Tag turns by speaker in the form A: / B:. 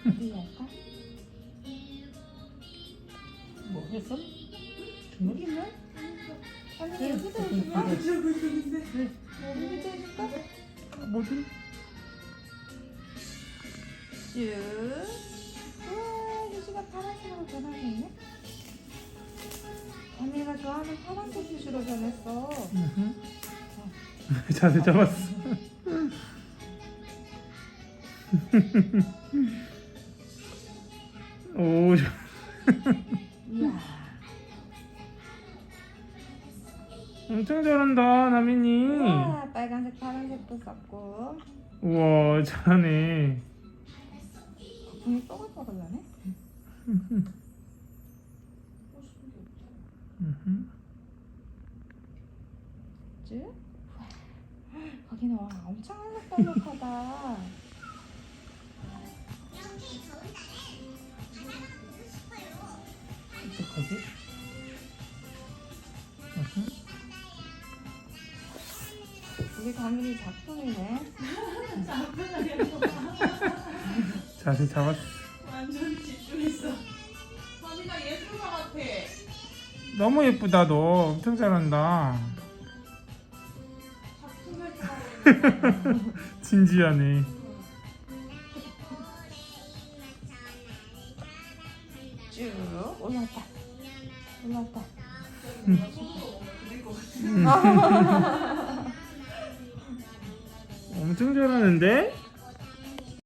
A: 어디 할까?
B: 뭐 했어? 주먹이냐?
A: 아니 여기다 해줄까?
C: 저거 있는데.
A: 여기다 해줄까?
B: 뭐지?
A: 쭉. 우와 유시가 파란색으로 변하네. 언니가 좋아하는 파란색 유시로 변했어.
B: 자세 잡았어. 오,
A: 이야.
B: 엄청 잘한다, 나민이.
A: 우와 빨간색 파란색도 썼고.
B: 우와, 잘하네.
A: 거품이 뽀글뽀글하네. 쭉. 우와. 거기는 와 엄청 알록달록하다.
B: 어떡하지?
A: 우리 다민이 작품이네.
B: 자세 잡았어.
C: 완전 집중했어. 다미가 예술가 같아.
B: 너무 예쁘다, 너. 엄청 잘한다.
C: 작품을 좋아하고 있는
B: 진지하네.
A: 쭉 올라왔다. 올라왔다.
C: 손으로 그릴 것 같아.
B: 엄청 잘하는데?